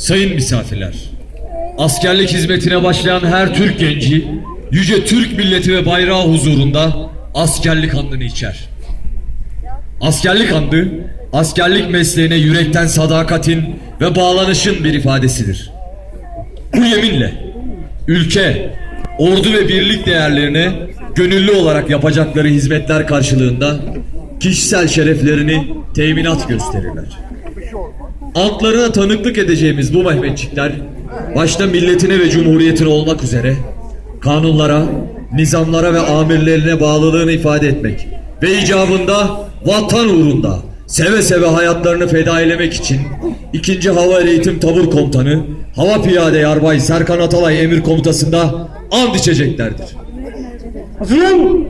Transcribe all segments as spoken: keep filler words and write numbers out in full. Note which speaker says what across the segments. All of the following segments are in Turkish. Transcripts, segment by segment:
Speaker 1: Sayın misafirler, askerlik hizmetine başlayan her Türk genci, yüce Türk milleti ve bayrağı huzurunda askerlik andını içer. Askerlik andı, askerlik mesleğine yürekten sadakatin ve bağlanışın bir ifadesidir. Bu yeminle ülke, ordu ve birlik değerlerine gönüllü olarak yapacakları hizmetler karşılığında kişisel şereflerini teminat gösterirler. Altlarına tanıklık edeceğimiz bu Mehmetçikler, başta milletine ve cumhuriyetine olmak üzere kanunlara, nizamlara ve amirlerine bağlılığını ifade etmek ve icabında vatan uğrunda seve seve hayatlarını feda eylemek için ikinci Hava Eğitim Tabur Komutanı Hava Piyade Yarbay Serkan Atalay emir komutasında and içeceklerdir.
Speaker 2: Hazırlan!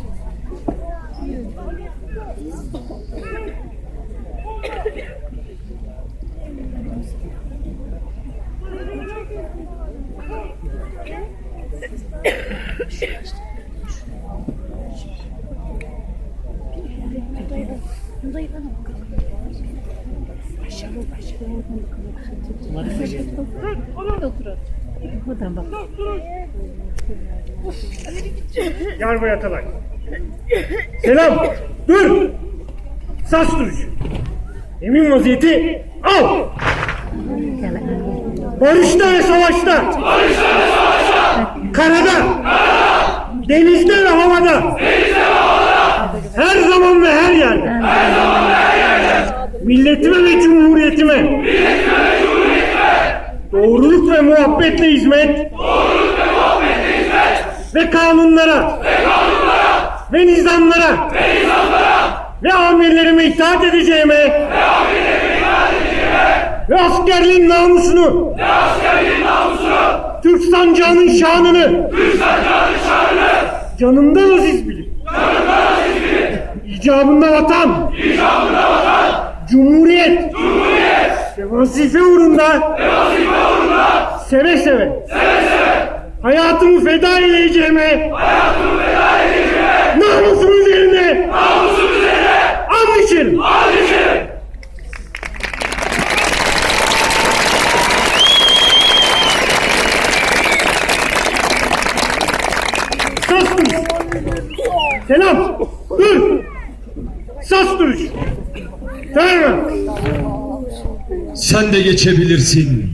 Speaker 2: Yarbay Atalay. Selam. Dur. Sas duruş. Emin vaziyeti al. Barışta ve savaşta. Barışta ve savaşta. Karada. Karada. Denizde ve havada. Denizde ve havada. Her zaman ve her yerde. Her zaman ve her yerde. Milletime ve cumhuriyetime. Milletime ve cumhuriyetime. Doğruluk ve muhabbetle hizmet. Doğruluk ve muhabbetle hizmet. Ve kanunlara. Ve kanunlara. Ve nizamlara. Ve nizamlara. Ve amirlerime itaat edeceğime. Ve amirlerime itaat edeceğime. Ve askerliğin namusunu. Ve askerliğin namusunu. Türk sancağının şanını. Türk sancağının şanını. Canımdan aziz bilir. Canımdan aziz bilir. İcabında vatan. İcabında vatan. Cumhuriyet. Cumhuriyet. Ve vazife uğrunda. Ve vazife uğrunda. Seve seve. Seve seve. Hayatımı feda edeceğime. Hayatımı feda edeceğime. Namusum üzerine. Namusum üzerine. And içerim. And içerim. Sas duruş. Selam. Dur. Sas duruş. Tamam.
Speaker 1: Sen de geçebilirsin